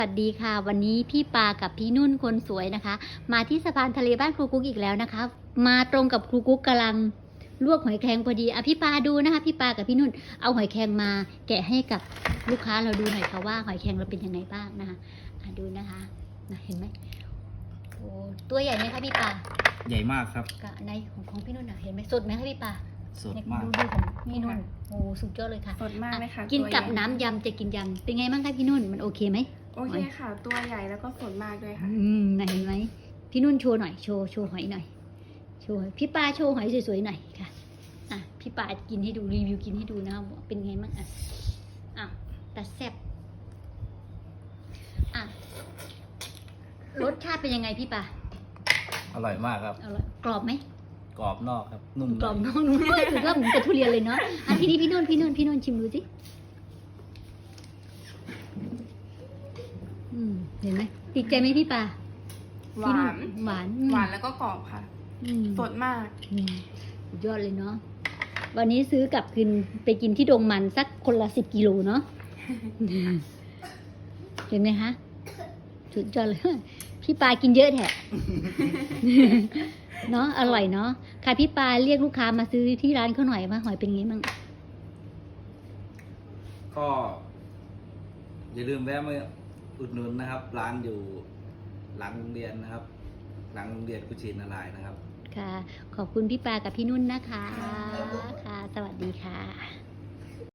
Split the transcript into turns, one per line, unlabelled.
สวัสดีค่ะวันนี้พี่ปากับพี่นุ่นคนสวยนะคะมาที่สะพานทะเลบ้านครูกุ๊กอีกแล้วนะคะมาตรงกับครูกุ๊กกำลังลวกหอยแครงพอดีพี่ปาดูนะคะพี่ปากับพี่นุ่นเอาหอยแครงมาแกะให้กับลูกค้าเราดูหน่อยค่ะว่าหอยแครงเราเป็นยังไงบ้างนะคะดูนะคะเห็นไหมโอ้ตัวใหญ่ไหมคะพี่ปา
ใหญ่มากครับ
ในของพี่นุ่นเห็นไหมสดไหมคะพี่ปา
สดมาก
ดูของพี่นุ่นโอ้สุดยอดเลยค่ะ
สดมากเลยค่ะ
กินกับน้ำยำจะกินยำเป็นไงบ้างคะพี่นุ่นมันโอเคไหม
โอเคค่ะตัวใหญ่แล้วก็สดมากด้วยค่ะ
เห็นไหมพี่นุ่นโชว์หน่อยโชว์หอยหน่อยโชว์พี่ปาโชว์หอยสวยๆหน่อยค่ะพี่ปากินให้ดูรีวิวกินให้ดูนะเป็นไงบ้างแต่แซ่บรสชาติเป็นยังไงพี่ปา
อร่อยมากครับ
อร่อยกรอบไหม
กรอบนอกครับนุ่ม
กรอบนอกนุ่มในถือว่าเหมือนกับทุเรียนเลยเนาะทีนี้พี่นุ่นชิมดูสิเห็นไหมติดใจไหมพี่ปา
หวานแล้วก็กรอบค่ะสดมาก
ยอดเลยเนาะวันนี้ซื้อกลับคืนไปกินที่ดงมันสักคนละ10 กิโลเนาะเห็นไหมคะสุดยอดเลยพี่ปากินเยอะแท้เนาะอร่อยเนาะค่ะพี่ปาเรียกลูกค้ามาซื้อที่ร้านเขาหน่อยว่าหอยเป็นไงบ้าง
ก็อย่าลืมแวะมาอุดหนุนนะครับร้านอยู่หลังโรงเรียนนะครับหลังโรงเรียนกุชินารายณ์นะครับ
ค่ะขอบคุณพี่ปากับพี่นุ่นนะคะค่ะสวัสดีค่ะ